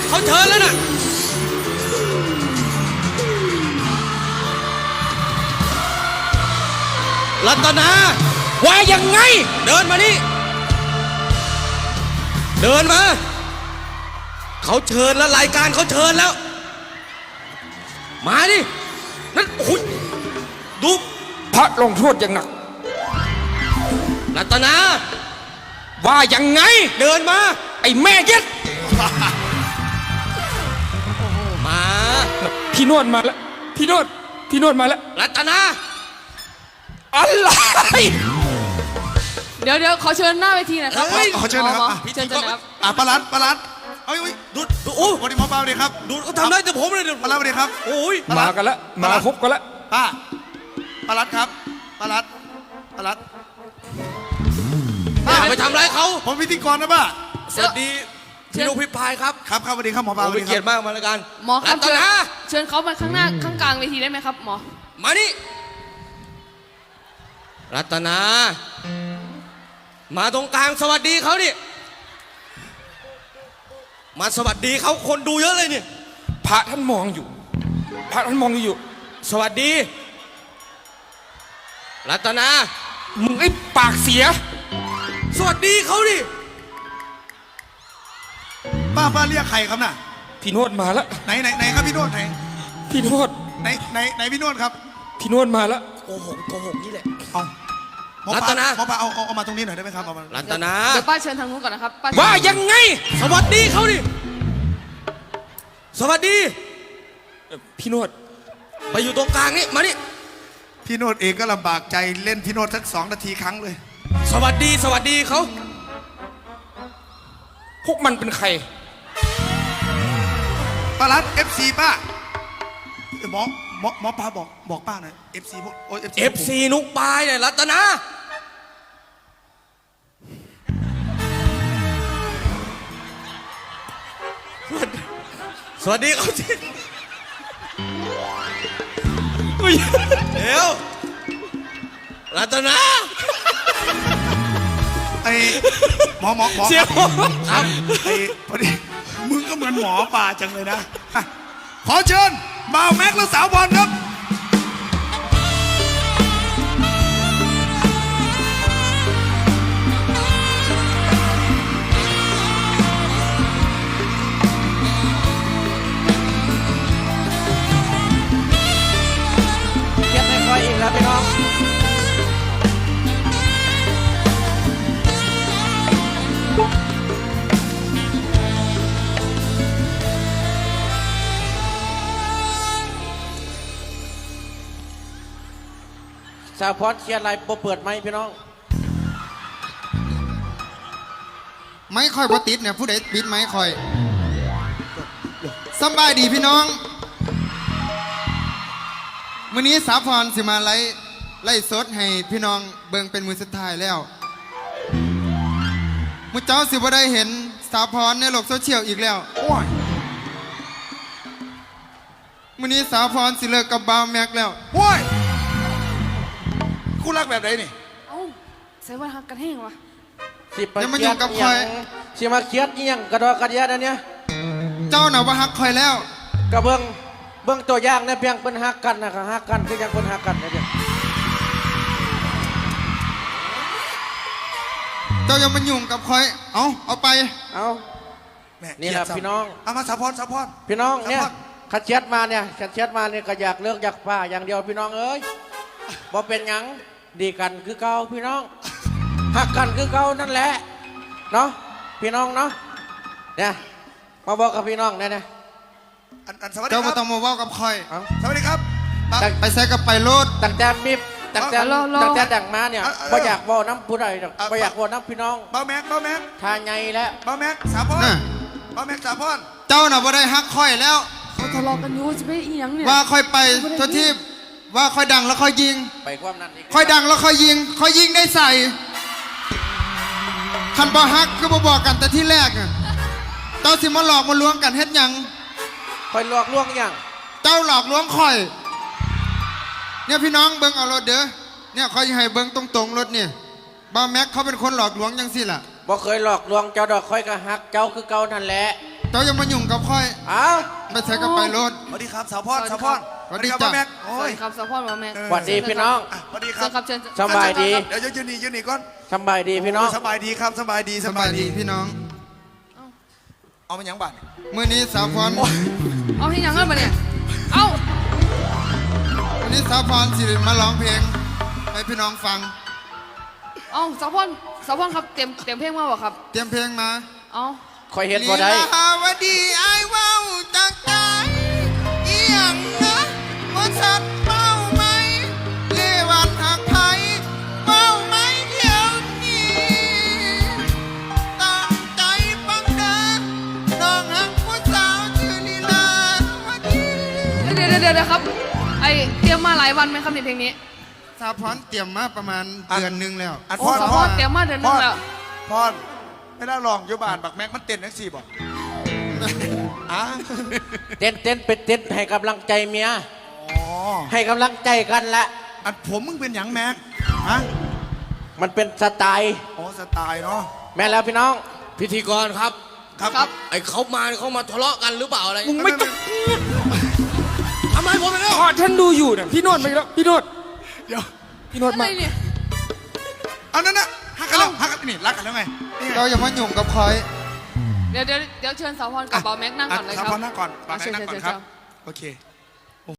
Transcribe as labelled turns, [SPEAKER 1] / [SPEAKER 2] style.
[SPEAKER 1] เขาเชิญแล้วน่ะรัตนาว่ายังไงเดินมานี่เดินมาเขาเชิญแล้วรายการเขาเชิญแล้วมาดินั่นโอ้ยดู
[SPEAKER 2] พระลงโทษอย่างหนัก
[SPEAKER 1] รัตนา
[SPEAKER 2] ว่ายังไง
[SPEAKER 1] เดินมา
[SPEAKER 2] ไอ้แม่เย็ด
[SPEAKER 1] มา
[SPEAKER 2] พี่นวดมาแล้วพี่นวดมาแล้ว
[SPEAKER 1] รัตนา
[SPEAKER 2] อะไร
[SPEAKER 3] เดี๋ยวขอเชิญหน้าเวทีหน่อยครับ
[SPEAKER 4] ขอเชิญนะครับ
[SPEAKER 3] เชิญนะครับ
[SPEAKER 4] ปลัดเอ้ย
[SPEAKER 1] ดูโอ้
[SPEAKER 4] วันนี้หมอปลาเลยครับ
[SPEAKER 1] ดูเขาทำได้แต่ผมเลยเดี๋ยว
[SPEAKER 4] ปลัดเลยครับ
[SPEAKER 1] โอ้ย
[SPEAKER 2] มากันแล้วมาครบกันแล้ว
[SPEAKER 4] ปลัดครับปลัด
[SPEAKER 1] ไปทำร้ายเขา
[SPEAKER 4] ผมพิธีกรนะป้า
[SPEAKER 1] สวัสดีพี่นุพี่พายครับ
[SPEAKER 4] ครับสวัสดีครับหมอปลา
[SPEAKER 1] เป็นเกียรติมากมารายการ
[SPEAKER 3] หมอครับเชิญเขามาข้างหน้าข้างกลางเวทีได้ไหมครับหมอ
[SPEAKER 1] มานี่รัตนามาตรงกลางสวัสดีเขาดิมาสวัสดีเขาคนดูเยอะเลยนี่
[SPEAKER 2] พระท่านมองอยู่
[SPEAKER 1] สวัสดีรัตนา
[SPEAKER 2] มึงไอ้ปากเสีย
[SPEAKER 1] สวัสดีเขาดิ
[SPEAKER 4] ป้าเรียกใครครับน่ะ
[SPEAKER 2] พี่นวดมาแล้ว
[SPEAKER 4] ไหนครับพี่นวดไหน
[SPEAKER 2] พี่นวด
[SPEAKER 4] ไหนพี่นวดครับ
[SPEAKER 2] พี่นวดมาแล้ว
[SPEAKER 1] โกหกนี่แหละ
[SPEAKER 4] เอารัตนาหมอปลาเอามาตรงนี้หน่อยได้ไหมครับ
[SPEAKER 1] รัตนา
[SPEAKER 3] เดี๋ยวป้าเชิญทางนู้นก่อนนะครับ
[SPEAKER 1] ว่ายังไงสวัสดีเขาดิสวัสดี
[SPEAKER 2] พี่นวด
[SPEAKER 1] ไปอยู่ตรงกลางนี่มานี่
[SPEAKER 4] พี่นวดเองก็ลำบากใจเล่นพี่นวดสัก2 นาทีครั้งเลย
[SPEAKER 1] สวัสดีเขา
[SPEAKER 2] พวกมันเป็นใคร
[SPEAKER 4] ปลัด FC ป้าหมอปลาบอกป้าหน่อย FC พวก
[SPEAKER 1] FC นุกปายเนี่ยรัตนาสวัสดีเขาสิเดี๋ยวรัตนา
[SPEAKER 4] ไอ้หมอ
[SPEAKER 1] เสียว
[SPEAKER 4] ครับไอ้พอดีมึงก็เหมือนหมอปลาจังเลยนะขอเชิญบ่าวแม็กและสาวบอลครับ
[SPEAKER 1] เก็บไม่ค่อยอีกแล้วพี่น้อง
[SPEAKER 5] สาวพอดเชียร์อะไรเปิดไหมพี่น้อง
[SPEAKER 6] ไม่ค่อยพอติดเนี่ยผู้ใดปิดไม่ค่อยสบายดีพี่น้องมื้อนี้สาวพรสิมาไล่สดให้พี่น้องเบิ่งเป็นมือสุดท้ายแล้วมื้อเจ้าสิบ่ได้เห็นสาวพรในโลกโซเชียลอีกแล้วมื้อนี้สาวพรสิเลิกกับบ่าวแม็กแล้ว
[SPEAKER 4] โว้ยคู่รักแบบไหนนี่
[SPEAKER 3] เอ้าใส่ว่าหักกันแห้งวะ
[SPEAKER 6] ยังมาอยู่กับคอย
[SPEAKER 5] สิมาเครียดยังกระดอกกระเดียดอันเนี้ย
[SPEAKER 6] เจ้าหน่าว่าหักคอยแล้ว
[SPEAKER 5] กระเบื้องตัวอย่างเนี่ยเพียงเป็นหักกันนะครับหักกันคือยังเป็นหักกันนะเดียว
[SPEAKER 6] เจ้ายังมายุ่งกับคอยเอาไป
[SPEAKER 5] นี่แหละพี่น้อง
[SPEAKER 4] เอามาสาวพร
[SPEAKER 5] พี่น้องเนี่ยขัดเช็ดมาเนี่ยก็อยากเลิกอยากป้าอย่างเดียวพี่น้องเอ้ยบ่เป็นหยังดีกันคือเก่าพี่น้องหักกันคือเก่านั่นแหละเนาะพี่น้องเนาะเนี่ยมาบอกกับพี่น้องเนี่ย
[SPEAKER 4] สวัสดีครับ
[SPEAKER 6] เจ้าไม่ต้องมาว่ากับคอย
[SPEAKER 4] สวัสดีครับ
[SPEAKER 6] ไปใส่กับไปโลด
[SPEAKER 5] ตั้งแต่ดังมาเนี่ยบ่อยากว่าน้ำผู้ใดบ่อยากว่าน้ำพี่น้อง
[SPEAKER 4] บ่าวแม็ก
[SPEAKER 5] ทาไงแล้ว
[SPEAKER 4] บ่าวแม็กสาวพรบ่าวแม็กสาวพร
[SPEAKER 6] เจ้าน่ะบ่ได้ฮักคอยแล้ว
[SPEAKER 3] เขาทะเลาะกันอยู่จะไปอีหยังเนี่ย
[SPEAKER 6] ว่าคอยไปทุกที่ว่าคอยดังแล้วคอยยิง
[SPEAKER 5] ไปความนั้น
[SPEAKER 6] คอยดังแล้วคอยยิงได้ใส่คันบ่ฮักก็บ่บอกกันแต่ที่แรกเจ้าสิมาหลอกมาลวงกันเฮ็ดหยัง
[SPEAKER 5] คอยหลอกลวงอย่าง
[SPEAKER 6] เจ้าหลอกลวงคอยเนี่ยพี่น้องเบิ่งเอารถเด้อเนี่ยคอยให้เบิ่งตรงรถเนี่ยบ่าวแม็กเขาเป็นคนหลอกลวงยังสิล่ะ
[SPEAKER 5] บ่เคยหลอกลวงเจ้าดอกคอยกะฮักเจ้าคือเก่านั่นแหละ
[SPEAKER 6] เจ้าอย่ามายุ่งกับค่อย
[SPEAKER 5] อ้าว
[SPEAKER 6] ไปใส่กับไปรถ
[SPEAKER 4] สวัสดีครับสาวพรสาวพร
[SPEAKER 6] สวัสดี
[SPEAKER 4] ครับ
[SPEAKER 6] จ้ะ
[SPEAKER 4] ป้าแม็ก
[SPEAKER 3] ส
[SPEAKER 4] โอ้
[SPEAKER 3] วัส
[SPEAKER 4] ย
[SPEAKER 3] ดีครับสะพอนมาแม่
[SPEAKER 5] สวัสดีพี่น้อง
[SPEAKER 4] สวัสดีค
[SPEAKER 3] เชิ
[SPEAKER 4] รั
[SPEAKER 3] ญ
[SPEAKER 4] บ
[SPEAKER 3] ครับเชิญ
[SPEAKER 5] สบายดี
[SPEAKER 4] เดี๋ยวยืนนี่ก่อน
[SPEAKER 5] สบายดีพี่น้อง
[SPEAKER 4] สบายดีครับสบายดี
[SPEAKER 6] สบายดีพี่น้อง
[SPEAKER 4] เอามาหยังบัตร
[SPEAKER 6] มื้อนี้สาวพร
[SPEAKER 3] เอาที่ยังเงินมาเนี่ย เอา
[SPEAKER 6] วันนี้สาวพรสิมาร้องเพลงให้พี่น้องฟัง
[SPEAKER 3] เอาสะพอนครับเตรียมเพลงมาบ่ครับ
[SPEAKER 6] เตรียมเพลงมา
[SPEAKER 3] เอา
[SPEAKER 5] คอยเห็นบ่ได้
[SPEAKER 6] ลีลาวดีไอ้ายเว้าจากใจอีหยังนะว่าสัตว์เมาไหมเลวันหักไทยเมาไหมเดี๋ยวนี้ตั้งใจฟังเด้อน้องหักผู้สาวชื่อลีลาวดี
[SPEAKER 3] เดี๋ยวครับ ไอเตรียมมาหลายวันไหมครับในเพลงนี้
[SPEAKER 6] สาวพรเตรียมมาประมาณเดือนหนึงแล้ว
[SPEAKER 4] อัน
[SPEAKER 3] โอ้สะพอนเตรียมมาเดือนนึงแล้ว
[SPEAKER 4] พรไม่ได้ลองอยู่บ้านบักแม็กมันเต้นทั้งสี่บ่อ่ะ
[SPEAKER 5] เต้นเป็นเต้นให้กำลังใจเมีย
[SPEAKER 4] อ๋อ
[SPEAKER 5] ให้กำลังใจกันละ
[SPEAKER 4] อันผมมึงเป็นหยังแม็กฮะ
[SPEAKER 5] มันเป็นสไตล์
[SPEAKER 4] อ๋อสไตล์เนาะ
[SPEAKER 5] แม่แล้วพี่น้อง
[SPEAKER 1] พิธีกรครับ
[SPEAKER 4] ครับ
[SPEAKER 1] ไอ้เขามาทะเลาะกันหรือเปล่าอะไร
[SPEAKER 2] มึงไม่ต้อง
[SPEAKER 1] ทำไมผมไปแล้ว
[SPEAKER 2] พอฉันดูอยู่เนี่ยพี่โนวดไปแล้วพี่โนวด
[SPEAKER 4] เดี๋ยว
[SPEAKER 2] พี่โนวด
[SPEAKER 3] อะไร
[SPEAKER 2] มา
[SPEAKER 3] เนี่ย
[SPEAKER 4] เอานั่นน่ะฮักกันแล้วฮักกันนี่รักกันแล้วไงนี่ไง
[SPEAKER 6] เราอย่ามายุ่งกับคอย
[SPEAKER 3] เดี๋ยวเชิญสาวพรกับเบาแม็กนั่งก่อนเลยค
[SPEAKER 4] สา
[SPEAKER 3] รับ
[SPEAKER 4] วพรนั่งก่อนป้าแม็ก
[SPEAKER 3] เชิญ
[SPEAKER 4] นั่งก่อน
[SPEAKER 3] เชิญ
[SPEAKER 4] ครับ
[SPEAKER 3] เชิญ
[SPEAKER 4] โอเค